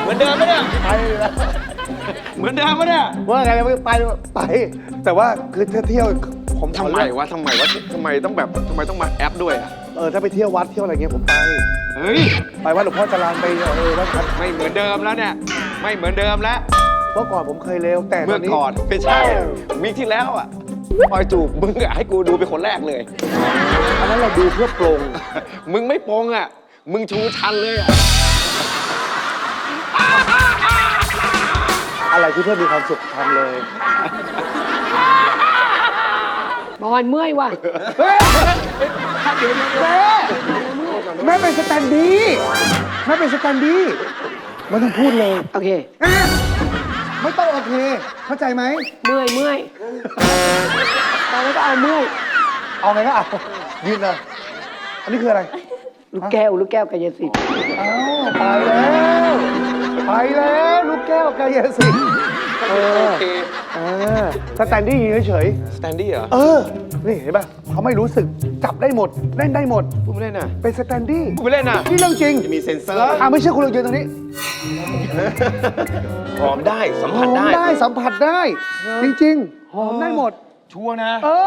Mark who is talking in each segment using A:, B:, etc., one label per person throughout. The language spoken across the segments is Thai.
A: มือนเดิมไหมเนี่ย
B: ไปแล้ว
A: เหมือนเดิมไหมเนี่ย
B: ว่าไงไป แต่ว่าคือถ้าเที่ยวผม
A: ทำไมทำไมต้องมาแอปด้วยอ่ะ
B: ถ้าไปเที่ยววัดเที่ยวอะไรเงี้ยผมไป
A: เฮ้ย
B: ไปวัดหลวงพ่อจรัญไปวัดครับ
A: ไม่เหมือนเดิมแล้วเนี่ยไม่เหมือนเดิมแล้ว
B: เมื่อก่อนผมเคยเลวแต่ต
A: เมื่
B: อ
A: อน
B: นี้
A: ก่อนไม่ใช่วีคที่แล้วอ่ะปอยจูบมึงอะให้กูดูเป็นคนแรกเลย
B: อันนั้นเราดูเพื่อปรง
A: มึงไม่โปรงอ่ะมึงชูชันเลยอ่ะ
B: อะไรที่เพื่อมีความสุขทำเลย
C: บอลเมื่อยว่ะ
B: แม่เป็นสแตนดี้แม่เป็นสแตนดี้ไม่ต้องพูดเลย
C: โอเค
B: ไม่ต้องโอเค เข้าใจไหม
C: เมื่อยตอนนี้ก็เอาเมื่อย
B: เอาไงก็เอายืนเลยอันนี้คืออะไร
C: ลูกแก้วกายสิทธิ์
B: อ้าวไปแล้วลูกแก้วกายสิทธิ์
A: โอเค
B: สแตนดี้ยืนเฉย
A: สแตนดี้เหรอ
B: นี่เห็นป่ะเขาไม่รู้สึกจับได้หมดเล่นได้หมด
A: พูดไม่เล่นน่ะ
B: เป็นสแตนดี้
A: พูดไม่เล่นน่ะ
B: นี่เรื่องจริง
A: จะมีเซ็นเซอร์
B: ไม่เชื่อคุณลองยืนตรงนี้
A: หอมได้สัม
B: ห
A: ผั
B: อ
A: ส
B: ม
A: ได้
B: ได้สัมผัสได้ จริงๆหอมได้หมด
A: ชัวร์นะ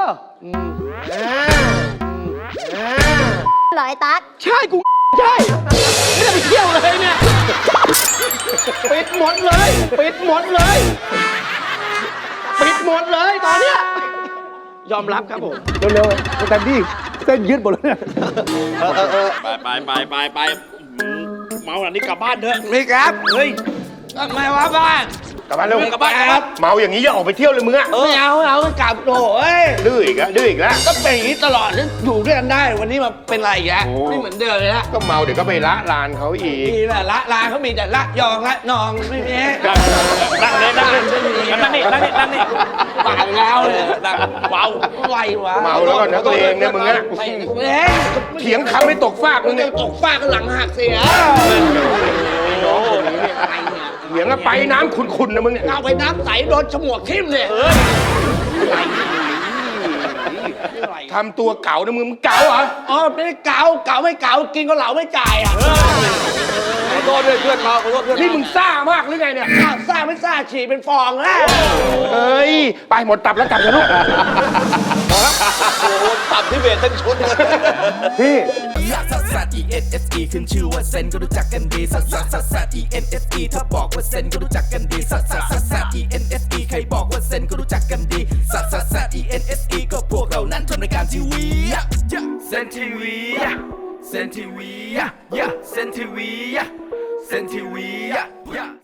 D: เหรอไอ้ตั๊ก
A: ใช่กูใช่ไม่ได้ไปเที่ยวเลยเนี่ยปิดหมดเลยปิดหมดเลยปิดหมดเลยตอนเนี้ยยอมรับครับผม
B: เร็วๆสแตนดี้เส้นยืดหมดแล้วเนี่ย
E: ไปเมาหลังนี้กลับบ้านเถอะ
A: นี่ครับ เฮ้ยทำไมวะบ้าน
E: กลับบ้านเร็ว
A: กลับบ้านครับ
E: เมาอย่างนี้อย่าออกไปเที่ยวเลยมึงอะ
A: ไม่เอากลับโถ่เอ้ย
E: ดื้ออีกแล้ว
A: ก็เป็นอย่างนี้ตลอดฉันอยู่ด้วยกันได้ วันนี้มาเป็นไรอีกแล้ว
E: โอ้
A: ไม่เหมือนเดิมเลยฮะ
E: ก็เมาเดี๋ยวก็ไปละลานเขาอีก
A: นี่แหละละลาเขามีแต่ละยองละนองไม่มี
E: นั่งเลย
A: นั่งนี่ปากแล้วเลยนั่งเมาไหววะ
E: เมาแล้วก็นักเลงเนี่ยมึงอะ
A: ไม่
E: เถียงคำไม่ตกฟากมึง
A: เนี่
E: เนี่ย ย
A: ตกฟากหลังหักเสีย
E: น้องคนนี้เนี่ย
A: อะไรเนี่ย
E: เถียงแล้วไปน้ำขุ่นๆนะมึงเนี่ย
A: เอาไปน้ำใสโดนฉมวกทิ่มเลยอะไร
E: ทำตัวเก๋านะมึงเก๋าเหรอ
A: อ๋อไม่ได้เก๋าไม่เก๋ากินก็เหลาไม่จ่ายอ่ะขอโทษด้วยเพื่อนเราขอโทษเพื่อน
E: นี่มึงซ่ามากหรือไงเนี่ย
A: ซ่าไม่ซ่าฉี่เป็นฟองแล้ว
E: เอ้ยไปหมดตับแล้วกลับเถอะลูก
A: โอ้โหตับที่เบรทั้งชุด
B: พี่
F: ซัสซัส E N S E ขึ้นชื่อว่าเซนก็รู้จักกันดีซัสซัสซัสซัส E N S E ถ้าบอกว่าเซนก็รู้จักกันดีซัสซัสซัสซัส E N S E ใครบอกว่าเซนก็รู้จักกันดีซัสซัสซัส E N S E ก็พวกเรานั้นทำรายการทีวีเซนทีวีเซนทีวีเซนทีวีเซนทีวี